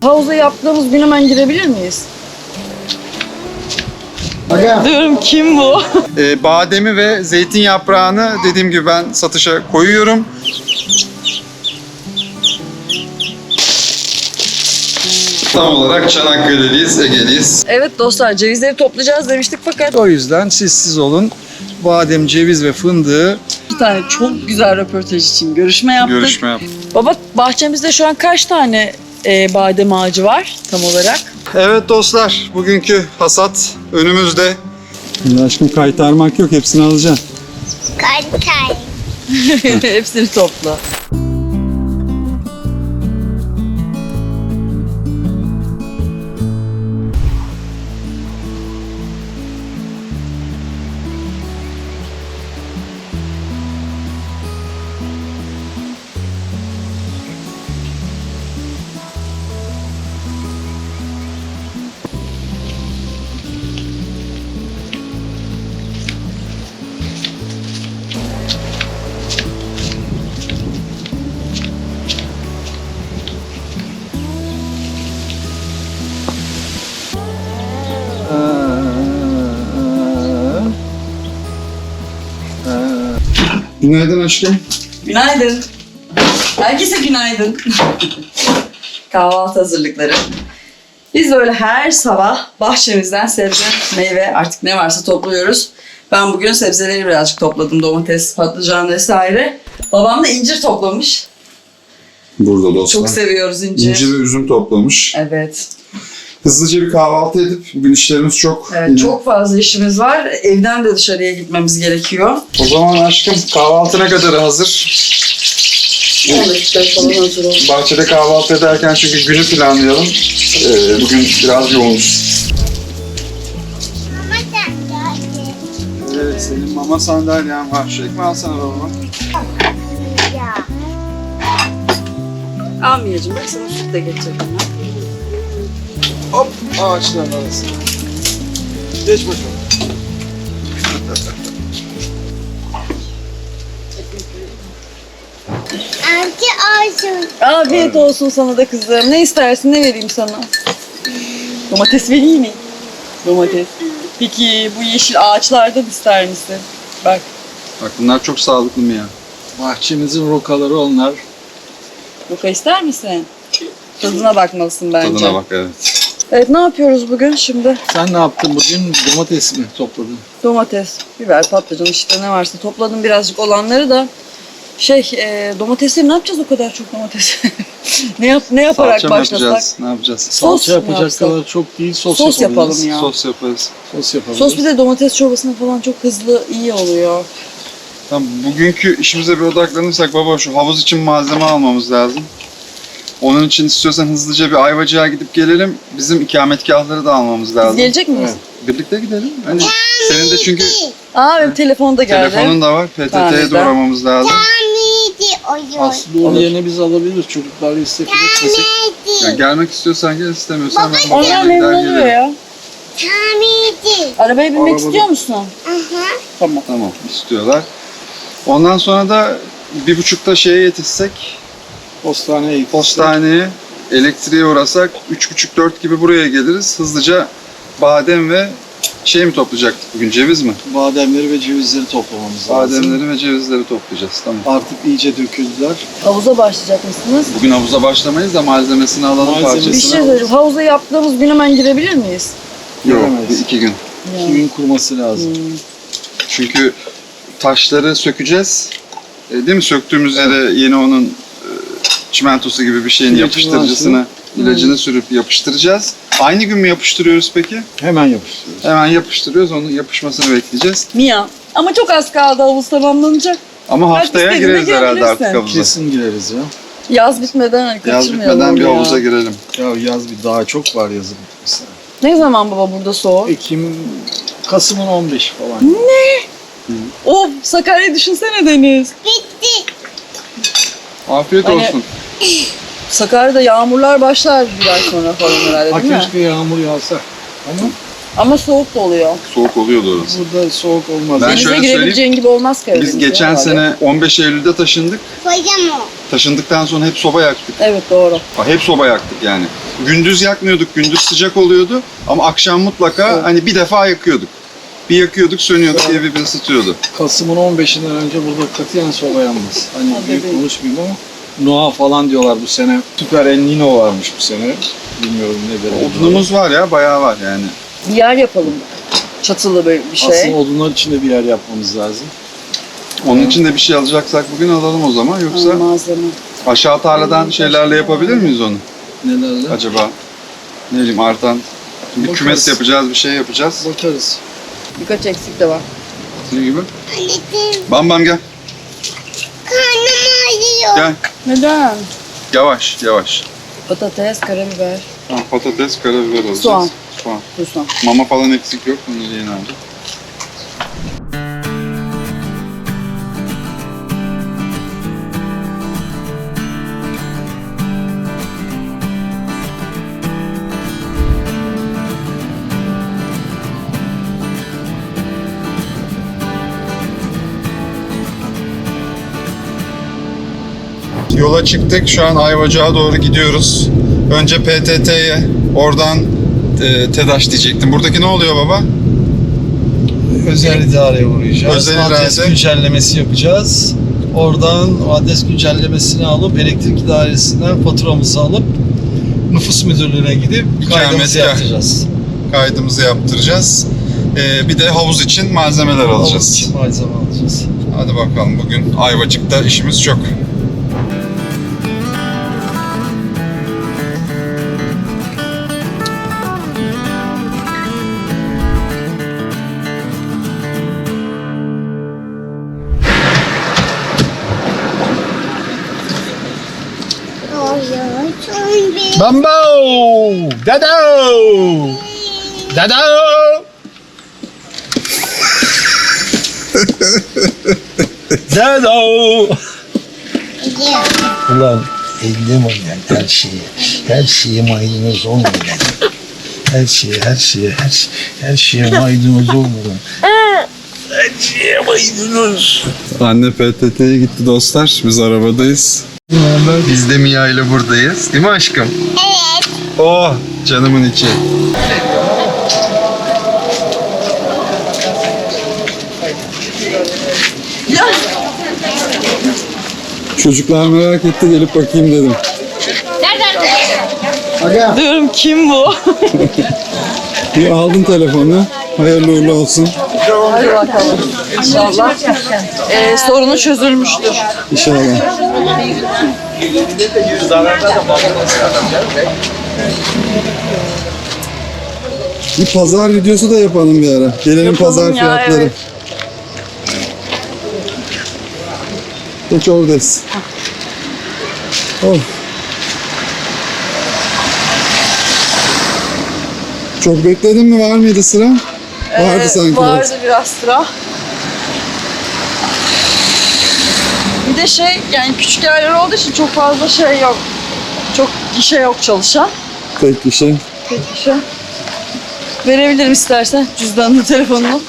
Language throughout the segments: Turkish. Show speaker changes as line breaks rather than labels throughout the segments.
havuza yaptığımız gün hemen girebilir miyiz? Diyorum kim bu?
Bademi ve zeytin yaprağını dediğim gibi ben satışa koyuyorum. Tam olarak Çanakkale'liyiz, Ege'liyiz.
Evet dostlar, cevizleri toplayacağız demiştik fakat
O yüzden siz olun. Badem, ceviz ve fındığı
bir tane çok güzel röportaj için görüşme yaptık.
yaptık.
Baba, bahçemizde şu an kaç tane badem ağacı var tam olarak?
Evet dostlar, bugünkü hasat önümüzde. Aşkım kaytarmak yok, hepsini alacaksın.
Kay.
Hepsini topla.
Günaydın aşkım.
Günaydın. Herkese günaydın. Kahvaltı hazırlıkları. Biz böyle her sabah bahçemizden sebze, meyve artık ne varsa topluyoruz. Ben bugün sebzeleri birazcık topladım. Domates, patlıcan vesaire. Babam da incir toplamış.
Burada dostlar.
Çok seviyoruz incir.
İncir ve üzüm toplamış.
Evet.
Hızlıca bir kahvaltı edip bugün işlerimiz çok.
Evet, çok fazla işimiz var. Evden de dışarıya gitmemiz gerekiyor.
O zaman aşkım kahvaltı ne kadar hazır?
10 dakika falan hazır olsun.
Bahçede kahvaltı ederken çünkü günü planlayalım. Bugün biraz yoğunuz.
Mama sen geldi.
Evet, senin mama sandalyen var. Şu ekmeği alsana babama.
Ya.
Almayacağım. Bak sana süt de getirdim ya.
Hop, ağaçların arasına. Geç bakalım.
Anki olsun.
Afiyet olsun sana da kızım. Ne istersin, ne vereyim sana? Domates vereyim mi? Domates. Peki bu yeşil ağaçlardan ister misin? Bak.
Bak bunlar çok sağlıklı mı ya?
Bahçemizin rokaları onlar.
Roka ister misin? Tadına bakmalısın bence.
Tadına bak, evet.
Evet, ne yapıyoruz bugün şimdi?
Sen ne yaptın bugün? Domates mi topladın?
Domates, biber, patlıcan işte ne varsa topladım birazcık olanları da. Domatesleri ne yapacağız o kadar çok domates? ne yaparak
Salça mı
başlasak?
yapacağız? Ne yapacağız?
Sos
Salça
mu
yapacak
yapsak?
kadar çok değil, sos
Sos
yapabiliriz.
yapalım ya.
Sos yaparız.
Sos yapabiliriz.
Sos bir de domates çorbasına falan çok hızlı iyi oluyor.
Tamam, bugünkü işimize bir odaklanırsak baba şu havuz için malzeme almamız lazım. Onun için istiyorsan hızlıca bir Ayvacık'a gidip gelelim. Bizim ikametgahları da almamız
Biz
lazım.
gelecek miyiz?
Birlikte gidelim. Hani senin de çünkü
Aa, benim telefonda geldi.
telefonun da var. PTT'ye
Tamam,
doğramamız lazım.
Tamidi oyun.
Aslında onun yerine biz alabiliriz. Çocuklar istek edersek.
Yani gelmek istiyorsan gel, istemiyorsan ben
Onlar
babamla
memnun
gider
oluyor
gelirim.
ya.
Tamidi.
Arabaya binmek
Arabada-
istiyor musun?
Aha.
Tamam.
Tamam, istiyorlar. Ondan sonra da 1.30'da şeye yetişsek,
Postaneye gittik.
postaneye, elektriğe uğrasak 3.30-4 gibi buraya geliriz. Hızlıca badem ve şey mi toplayacaktık bugün, ceviz mi?
Bademleri ve cevizleri toplamamız lazım.
Bademleri ve cevizleri toplayacağız, tamam.
Artık iyice döküldüler.
Havuza başlayacak mısınız?
Bugün havuza başlamayız da malzemesini alalım,
Malzeme-
parçasını.
Bir şey söyleyeyim. Havuza yaptığımız gün hemen girebilir miyiz?
Yok,
Giremeyiz.
2 gün.
2 gün kuruması lazım.
Çünkü taşları sökeceğiz. Değil mi? Söktüğümüz yere yeni onun çimentosu gibi bir şeyin
İlacını
yapıştırıcısını, ilacını sürüp yapıştıracağız. Aynı gün mü yapıştırıyoruz peki?
Hemen yapıştırıyoruz.
Hemen yapıştırıyoruz, onun yapışmasını bekleyeceğiz.
Mia. Ama çok az kaldı, havuz tamamlanacak.
Ama
Bak,
haftaya
istediğine
gireriz herhalde
girebilirsin.
artık havuza.
Kesin gireriz ya.
Yaz bitmeden hani
Yaz
kaçırmayalım
bitmeden bir
onu ya.
havuza girelim.
Ya yaz bir daha çok var yazın mesela.
Ne zaman baba burada soğuk?
Kasım'ın 15 falan.
Of, Sakarya'yı düşünsene Deniz.
Bitti.
Afiyet
Hani-
olsun.
Sakarya'da yağmurlar başlar bir ay sonra falan herhalde
Ha
değil mi?
keşke yağmur yağsa. Ama
Ama soğuk da oluyor.
Soğuk oluyordu orası.
burada soğuk olmaz.
Ben
Denize
şöyle
girebileceğin gibi olmaz Karadeniz'de.
Biz geçen
herhalde.
sene 15 Eylül'de taşındık.
Koyacağım o.
Taşındıktan sonra hep soba yaktık.
Evet doğru.
Hep soba yaktık yani. Gündüz yakmıyorduk, gündüz sıcak oluyordu. Ama akşam mutlaka
Evet.
hani bir defa yakıyorduk. Bir yakıyorduk, sönüyorduk, evi bir ısıtıyordu.
Kasım'ın 15'inden önce burada katiyen soba yanmaz. Hani
Hadi
büyük
be.
konuşmayayım ama Noah falan diyorlar bu sene. Süper El Nino varmış bu sene. Bilmiyorum ne derece.
Odunumuz var ya, bayağı var yani.
Bir yer yapalım. Çatılı bir şey.
Aslında odunlar için de bir yer yapmamız lazım.
Onun için de bir şey alacaksak bugün alalım o zaman. Yoksa
Malzeme.
aşağı tarladan şeylerle yapabilir miyiz onu?
Nelerle?
Acaba ne bileyim artan bir
Bakarız.
kümes yapacağız, bir şey yapacağız.
Bakarız.
Birkaç eksik de var.
Ne gibi?
Anneciğim
Bam bam gel.
karnım ağrıyor.
Gel.
Neden?
Yavaş yavaş.
Patates, karabiber,
Tamam, patates, karabiber alacağız.
Soğan.
Soğan.
susam.
Mama falan eksik yok. Bunları yeni aldık. Yola çıktık. Şu an Ayvacık'a doğru gidiyoruz. Önce PTT'ye, oradan TEDAŞ diyecektim. Buradaki ne oluyor baba?
Özel idareye uğrayacağız.
Özel
adres
irade.
güncellemesi yapacağız. Oradan o adres güncellemesini alıp elektrik idaresinden faturamızı alıp nüfus müdürlüğüne gidip kaydımızı
İkametgah.
yaptıracağız.
Kaydımızı yaptıracağız. Bir de havuz için malzemeler alacağız.
Havuz için malzeme alacağız.
Hadi bakalım, bugün Ayvacık'ta işimiz çok.
Ağrıyor. Son bir.
Bambo! Dado! Dado! Dado!
Ulan ellim oynayan her şeye maydanoz olmayan. Her şeye maydanoz olmayan. Her şeye maydanoz.
Anne PTT'ye gitti dostlar. Biz arabadayız. Biz de Mia ile buradayız. Değil mi aşkım?
Evet.
Oh, canımın içi. Çocuklar merak etti, gelip bakayım dedim.
Diyorum kim bu?
Bir aldın telefonunu. Hayırlı uğurlu olsun.
Hadi bakalım. İnşallah. Sorunu çözülmüştür.
İnşallah. Bir pazar videosu da yapalım bir ara. Gelelim
Yapalım
pazar
ya,
fiyatları.
evet.
Geç oradayız. Oh. Çok bekledin mi? Var mıydı sıra? Vardı sanki.
Vardı biraz sıra. Bir de yani küçük yerler olduğu için çok fazla şey yok. Çok gişe yok çalışan.
Tek bir şey.
Tek gişe. Verebilirim istersen cüzdanını, telefonunu.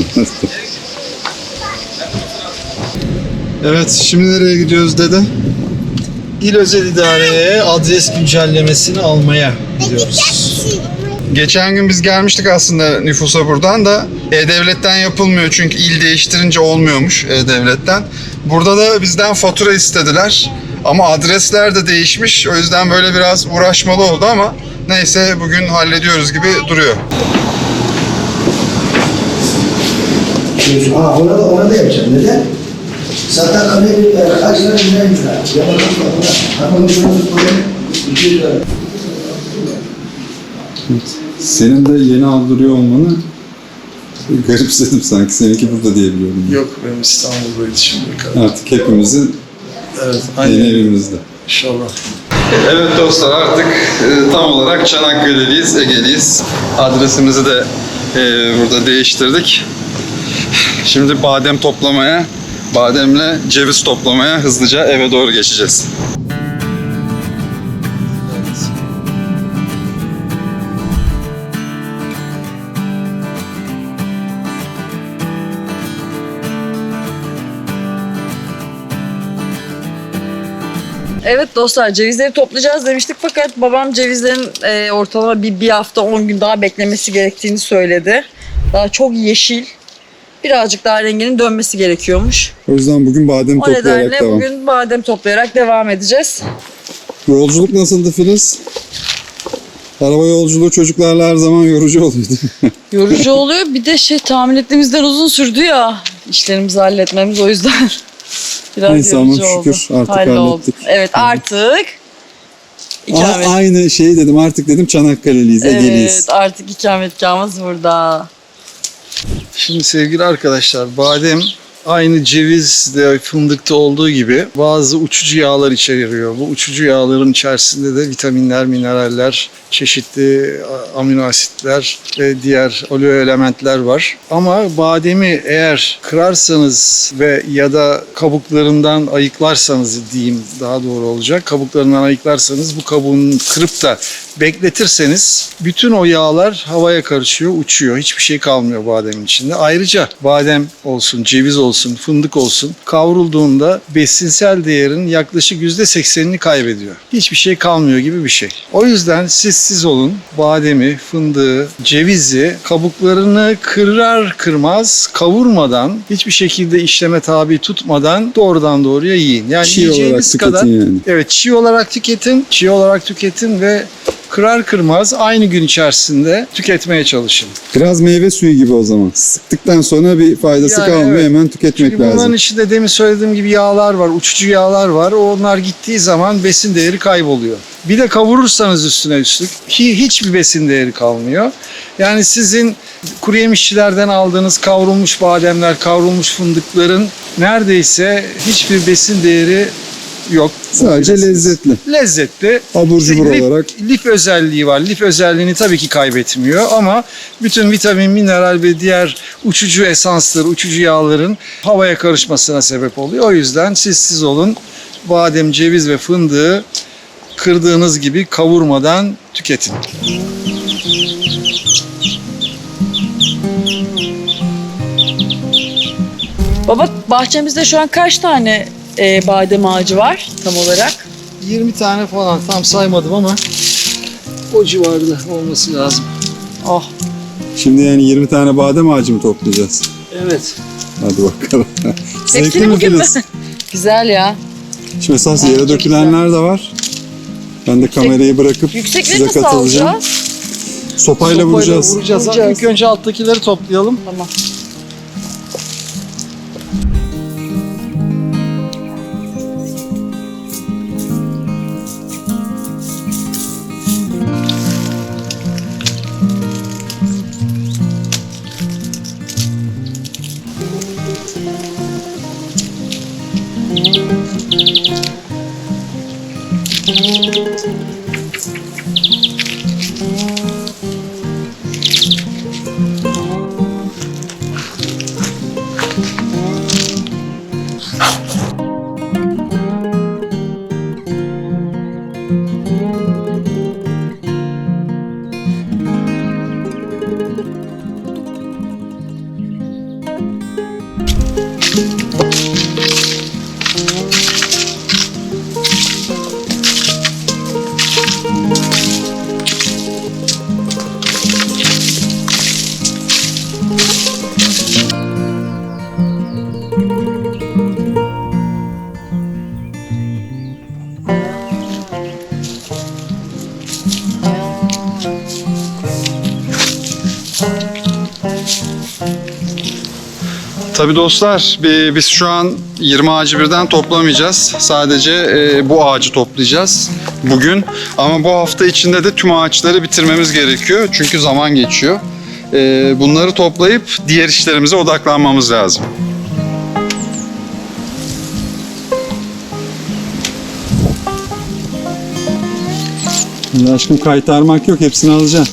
Evet, şimdi nereye gidiyoruz dede?
İl Özel İdare'ye adres güncellemesini almaya gidiyoruz.
Geçen gün biz gelmiştik aslında nüfusa buradan da E-Devlet'ten yapılmıyor çünkü il değiştirince olmuyormuş E-Devlet'ten. Burada da bizden fatura istediler ama adresler de değişmiş, o yüzden böyle biraz uğraşmalı oldu ama neyse bugün hallediyoruz gibi duruyor.
Ona da yapacağım. Neden? Zaten kaç lira neymiş ya?
Senin de yeni aldırıyor olmanı garipsedim sanki. Seninki burada diyebiliyorum.
Yok benim İstanbul'daydı şimdiye kadar.
Artık hepimizin
Evet,
yeni
aynen.
evimizde.
İnşallah.
Evet dostlar, artık tam olarak Çanakkale'liyiz, Ege'liyiz. Adresimizi de burada değiştirdik. Şimdi bademle ceviz toplamaya hızlıca eve doğru geçeceğiz.
Evet dostlar, cevizleri toplayacağız demiştik fakat babam cevizlerin ortalama bir hafta 10 gün daha beklemesi gerektiğini söyledi. Daha çok yeşil, birazcık daha renginin dönmesi gerekiyormuş.
O yüzden bugün badem
O
toplayarak
nedenle
devam.
bugün badem toplayarak devam edeceğiz.
Yolculuk nasıldı Filiz? Araba yolculuğu çocuklarla her zaman yorucu oluyordu.
Yorucu oluyor, bir de tahmin ettiğimizden uzun sürdü ya işlerimizi halletmemiz, o yüzden biraz
Neyse ama
yorucu oldu.
şükür artık
Halloldu.
hallettik.
Evet, artık ikamet.
Aynı şeyi dedim, artık dedim Çanakkale'liyiz, Ege'liyiz.
Evet, artık ikametgahımız burada.
Şimdi sevgili arkadaşlar, badem aynı cevizde, fındıkta olduğu gibi bazı uçucu yağlar içeriyor. Bu uçucu yağların içerisinde de vitaminler, mineraller, çeşitli amino asitler ve diğer oleoelementler var. Ama bademi eğer kırarsanız ve ya da kabuklarından ayıklarsanız diyeyim, daha doğru olacak. Kabuklarından ayıklarsanız, bu kabuğunu kırıp da bekletirseniz bütün o yağlar havaya karışıyor, uçuyor. Hiçbir şey kalmıyor bademin içinde. Ayrıca badem olsun, ceviz olsun, fındık olsun kavrulduğunda besinsel değerin yaklaşık %80'ini kaybediyor. Hiçbir şey kalmıyor gibi bir şey. O yüzden siz olun, bademi, fındığı, cevizi kabuklarını kırar kırmaz kavurmadan, hiçbir şekilde işleme tabi tutmadan doğrudan doğruya yiyin. Yani
Çiğ
yiyeceğiniz
olarak
kadar
tüketin yani.
evet, çiğ olarak tüketin ve kırar kırmaz aynı gün içerisinde tüketmeye çalışın.
Biraz meyve suyu gibi o zaman. Sıktıktan sonra bir faydası
Yani
kalmıyor,
evet.
hemen tüketmek
Çünkü bunların
lazım.
içinde demin söylediğim gibi yağlar var, uçucu yağlar var. Onlar gittiği zaman besin değeri kayboluyor. Bir de kavurursanız üstüne üstlük hiçbir besin değeri kalmıyor. Yani sizin kuru yemişçilerden aldığınız kavrulmuş bademler, kavrulmuş fındıkların neredeyse hiçbir besin değeri yok.
Sadece lezzetli.
Lezzetli.
Abur cubur olarak.
Lif özelliği var. Lif özelliğini tabii ki kaybetmiyor ama bütün vitamin, mineral ve diğer uçucu esansları, uçucu yağların havaya karışmasına sebep oluyor. O yüzden siz olun. Badem, ceviz ve fındığı kırdığınız gibi kavurmadan tüketin.
Baba, bahçemizde şu an kaç tane badem ağacı var tam olarak?
20 tane falan, tam saymadım ama o civarda olması lazım.
Oh.
Şimdi yani 20 tane badem ağacı mı toplayacağız?
Evet.
Hadi bakalım. Zevkli
Hepsini
mi
bugün mü?
Filiz?
Güzel ya.
Şimdi esas
Bence
yere dökülenler de var. Ben de kamerayı bırakıp
Yüksekleri
size
nasıl
katılacağım.
alacağız?
Sopayla vuracağız.
Vuracağız. İlk önce alttakileri toplayalım.
Tamam.
Tabii dostlar, biz şu an 20 ağacı birden toplamayacağız. Sadece bu ağacı toplayacağız bugün. Ama bu hafta içinde de tüm ağaçları bitirmemiz gerekiyor. Çünkü zaman geçiyor. Bunları toplayıp diğer işlerimize odaklanmamız lazım. Aşkım, kaytarmak yok, hepsini alacaksın.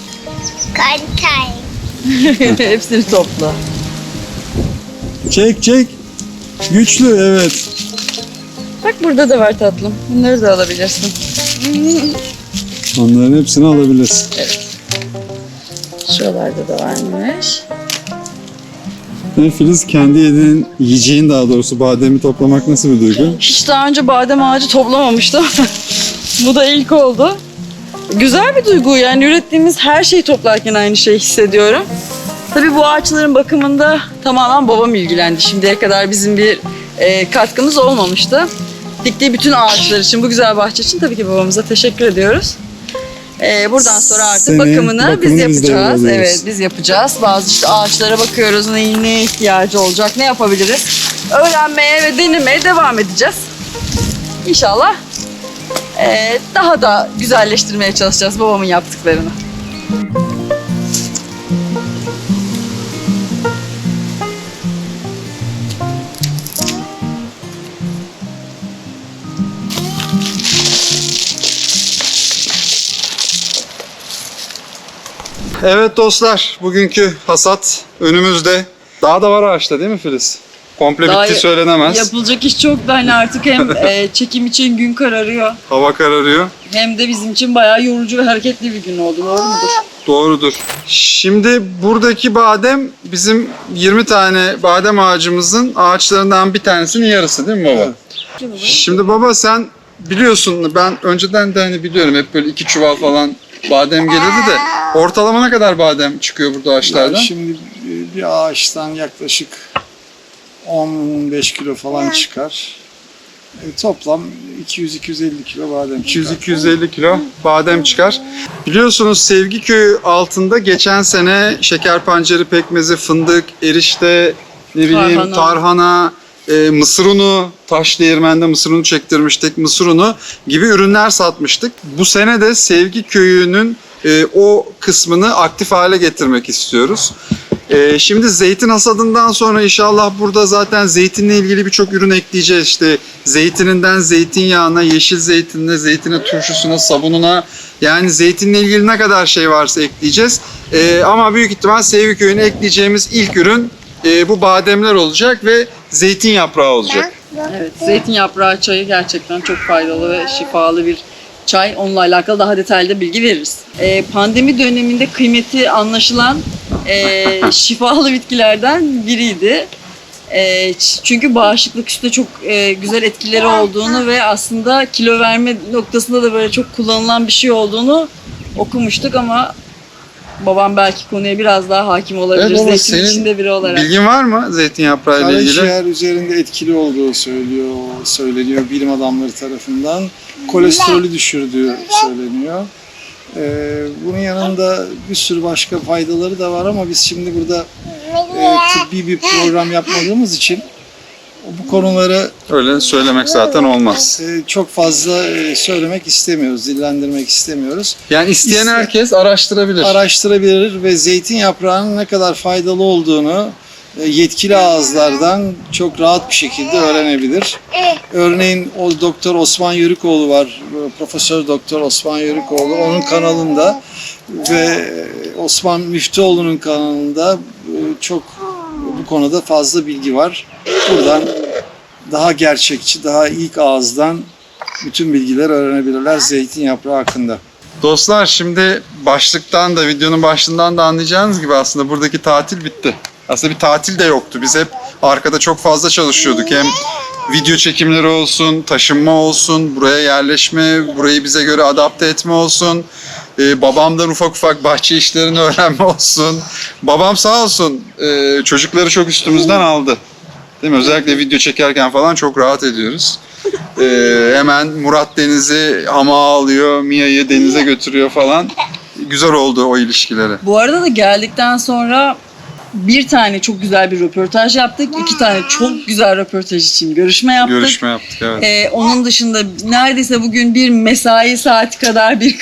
Kantay.
Hepsini topla.
Çek çek. Güçlü, evet.
Bak burada da var tatlım. Bunları da alabilirsin.
Onların hepsini alabilirsin.
Şuralarda da varmış.
Filiz, kendi yiyeceğin daha doğrusu bademi toplamak nasıl bir duygu?
Hiç daha önce badem ağacı toplamamıştım. Bu da ilk oldu. Güzel bir duygu, yani ürettiğimiz her şeyi toplarken aynı şeyi hissediyorum. Tabii bu ağaçların bakımında tamamen babam ilgilendi. Şimdiye kadar bizim bir katkımız olmamıştı. Diktiği bütün ağaçlar için, bu güzel bahçe için tabii ki babamıza teşekkür ediyoruz. Buradan sonra artık
Senin
bakımını biz
biz
yapacağız.
devralıyoruz.
Evet, biz yapacağız. Bazı işte ağaçlara bakıyoruz, neye ihtiyacı olacak, ne yapabiliriz. Öğrenmeye ve denemeye devam edeceğiz. İnşallah daha da güzelleştirmeye çalışacağız babamın yaptıklarını.
Evet dostlar, bugünkü hasat önümüzde. Daha da var ağaçta değil mi Filiz? Komple
Daha
bitti söylenemez.
Yapılacak iş çok da, hani artık hem çekim için gün kararıyor,
Hava kararıyor.
hem de bizim için bayağı yorucu ve hareketli bir gün oldu. Doğru mudur?
Doğrudur. Şimdi buradaki badem bizim 20 tane badem ağacımızın ağaçlarından bir tanesinin yarısı değil mi baba? Şimdi baba sen biliyorsun, ben önceden de hani biliyorum hep böyle 2 çuval falan badem gelirdi de ortalama ne kadar badem çıkıyor burada ağaçlardan?
Şimdi bir ağaçtan yaklaşık 10-15 kilo falan çıkar. Toplam 200-250 kilo badem çıkar.
200-250 kilo badem çıkar. Biliyorsunuz Sevgi Köyü altında geçen sene şeker pancarı pekmezi, fındık, erişte, ne bileyim tarhana, mısır unu, taş değirmende mısır unu çektirmiştik, mısır unu gibi ürünler satmıştık. Bu sene de Sevgi Köyü'nün o kısmını aktif hale getirmek istiyoruz. Şimdi zeytin hasadından sonra inşallah burada zaten zeytinle ilgili birçok ürün ekleyeceğiz. İşte zeytininden zeytinyağına, yeşil zeytinine, zeytine, turşusuna, sabununa, yani zeytinle ilgili ne kadar şey varsa ekleyeceğiz. Ama büyük ihtimal Sevgi Köyü'ne ekleyeceğimiz ilk ürün bu bademler olacak ve zeytin yaprağı olacak.
Evet, zeytin yaprağı çayı gerçekten çok faydalı ve şifalı bir çay. Onunla alakalı daha detaylı bilgi veririz. Pandemi döneminde kıymeti anlaşılan şifalı bitkilerden biriydi. Çünkü bağışıklık üstünde çok güzel etkileri olduğunu ve aslında kilo verme noktasında da böyle çok kullanılan bir şey olduğunu okumuştuk ama babam belki konuya biraz daha hakim olabilir.
Evet, ama
Zeytin
senin
içinde biri olarak.
Bilgin var mı zeytin yaprağı ile ilgili?
Karaciğer üzerinde etkili olduğu söyleniyor bilim adamları tarafından. Kolesterolü düşürdüğü söyleniyor. Bunun yanında bir sürü başka faydaları da var ama biz şimdi burada tıbbi bir program yapmadığımız için bu konuları
Öyle söylemek zaten olmaz.
çok fazla söylemek istemiyoruz, dillendirmek istemiyoruz.
Yani isteyen herkes araştırabilir.
Araştırabilir ve zeytin yaprağının ne kadar faydalı olduğunu yetkili ağızlardan çok rahat bir şekilde öğrenebilir. Örneğin o Doktor Osman Yörükoğlu var, Profesör Doktor Osman Yörükoğlu, onun kanalında ve Osman Müftüoğlu'nun kanalında çok bu konuda fazla bilgi var. Buradan daha gerçekçi, daha ilk ağızdan bütün bilgileri öğrenebilirler zeytin yaprağı hakkında.
Dostlar, şimdi başlıktan da, videonun başlığından da anlayacağınız gibi aslında buradaki tatil bitti. Aslında bir tatil de yoktu. Biz hep arkada çok fazla çalışıyorduk. Hem video çekimleri olsun, taşınma olsun, buraya yerleşme, burayı bize göre adapte etme olsun. Babamdan ufak ufak bahçe işlerini öğrenme olsun. Babam sağ olsun çocukları çok üstümüzden aldı. Değil mi? Özellikle video çekerken falan çok rahat ediyoruz. Hemen Murat Deniz'i hamağa alıyor, Mia'yı denize götürüyor falan. Güzel oldu o ilişkileri.
Bu arada da geldikten sonra bir tane çok güzel bir röportaj yaptık. 2 tane çok güzel röportaj için görüşme yaptık.
Görüşme yaptık, evet.
Onun dışında neredeyse bugün bir mesai saati kadar bir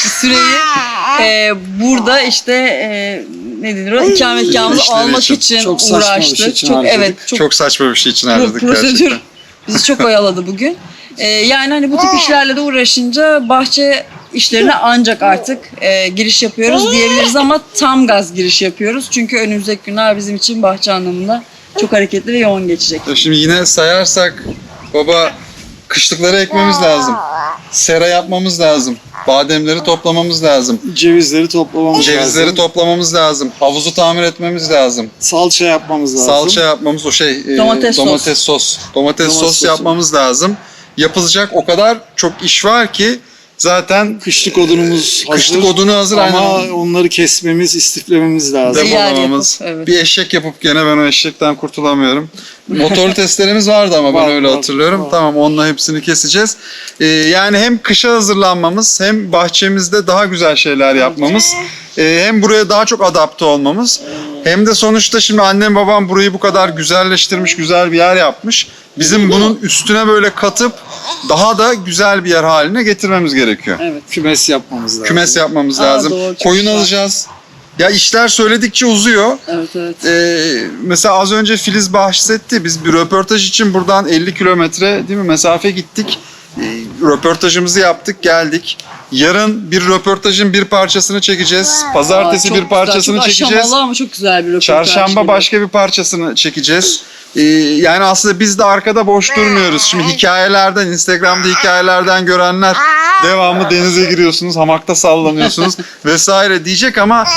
süreyi burada işte ne denir o, ikametgahımızı
İşleri
almak
için.
için
Çok saçma bir
uğraştık.
şey için
çok
harcadık.
evet çok
Çok saçma bir şey için harcadık
prosedür
gerçekten.
bizi çok oyaladı bugün. Yani hani bu tip işlerle de uğraşınca bahçe işlerine ancak artık giriş yapıyoruz diyebiliriz ama tam gaz giriş yapıyoruz. Çünkü önümüzdeki günler bizim için bahçe anlamında çok hareketli ve yoğun geçecek.
Şimdi yine sayarsak baba, kışlıkları ekmemiz lazım. Sera yapmamız lazım. Bademleri toplamamız lazım.
Cevizleri toplamamız
Cevizleri
lazım.
toplamamız lazım. Havuzu tamir etmemiz lazım.
Salça yapmamız lazım.
Salça yapmamız,
Domates
sos. Domates sos
sosu.
yapmamız lazım. Yapılacak o kadar çok iş var ki zaten
Kışlık odunumuz hazır.
kışlık odunu hazır.
Ama
aynen.
onları kesmemiz, istiflememiz lazım.
Yer
Depolamamız.
yapıp, evet.
Bir eşek yapıp gene ben o eşekten kurtulamıyorum. Motorlu testlerimiz vardı ama ben
Var,
öyle
var,
hatırlıyorum.
var.
Tamam, onunla hepsini keseceğiz. Yani hem kışa hazırlanmamız hem bahçemizde daha güzel şeyler yapmamız hem buraya daha çok adapte olmamız hem de sonuçta şimdi annem babam burayı bu kadar güzelleştirmiş, güzel bir yer yapmış. Bizim bunun üstüne böyle katıp daha da güzel bir yer haline getirmemiz gerekiyor.
Evet.
Kümes yapmamız lazım.
Kümes yapmamız
Aa,
lazım.
doğru, çok
Koyun
güzel.
alacağız. Ya işler söyledikçe uzuyor.
Evet, evet.
Mesela az önce Filiz bahsetti. Biz bir röportaj için buradan 50 kilometre değil mi mesafe gittik. Röportajımızı yaptık, geldik. Yarın bir röportajın bir parçasını çekeceğiz. Pazartesi
Aa, çok
bir parçasını
güzel, çok
çekeceğiz.
aşamalı ama çok güzel bir röportaj.
Çarşamba
gibi.
başka bir parçasını çekeceğiz. Yani aslında biz de arkada boş durmuyoruz. Şimdi hikayelerden, Instagram'da hikayelerden görenler devamlı denize giriyorsunuz, hamakta sallanıyorsunuz vesaire diyecek ama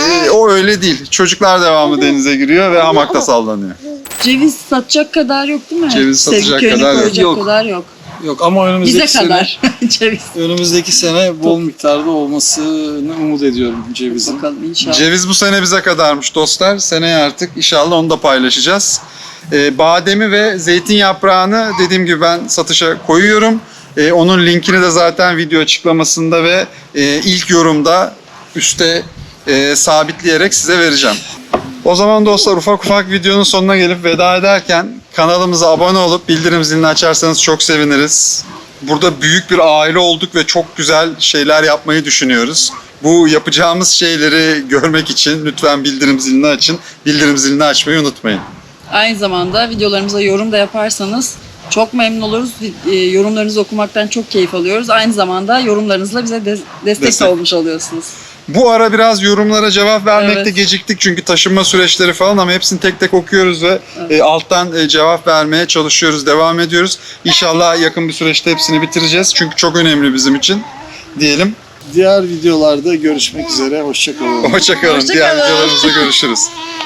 o öyle değil. Çocuklar devamlı denize giriyor ve hamakta sallanıyor.
Ceviz satacak kadar yok değil mi?
Ceviz
Sevgi
satacak
köyüne
kadar yok.
koyacak
Yok.
kadar yok.
Yok ama önümüzdeki
Bize
sene,
kadar ceviz.
önümüzdeki sene bol miktarda olmasını umut ediyorum cevizin.
Bakalım inşallah.
Ceviz bu sene bize kadarmış dostlar. Seneye artık inşallah onu da paylaşacağız. Bademi ve zeytin yaprağını dediğim gibi ben satışa koyuyorum. Onun linkini de zaten video açıklamasında ve ilk yorumda üstte sabitleyerek size vereceğim. O zaman dostlar ufak ufak videonun sonuna gelip veda ederken kanalımıza abone olup bildirim zilini açarsanız çok seviniriz. Burada büyük bir aile olduk ve çok güzel şeyler yapmayı düşünüyoruz. Bu yapacağımız şeyleri görmek için lütfen bildirim zilini açın. Bildirim zilini açmayı unutmayın.
Aynı zamanda videolarımıza yorum da yaparsanız çok memnun oluruz. Yorumlarınızı okumaktan çok keyif alıyoruz. Aynı zamanda yorumlarınızla bize destek de
Destek.
olmuş oluyorsunuz.
Bu ara biraz yorumlara cevap vermekte
Evet.
geciktik çünkü taşınma süreçleri falan ama hepsini tek tek okuyoruz ve alttan cevap vermeye çalışıyoruz, devam ediyoruz. İnşallah yakın bir süreçte hepsini bitireceğiz çünkü çok önemli bizim için diyelim.
Diğer videolarda görüşmek üzere. Hoşça kalın.
Hoşça kalın.
Hoşça
Diğer
kalın.
videolarımızda görüşürüz.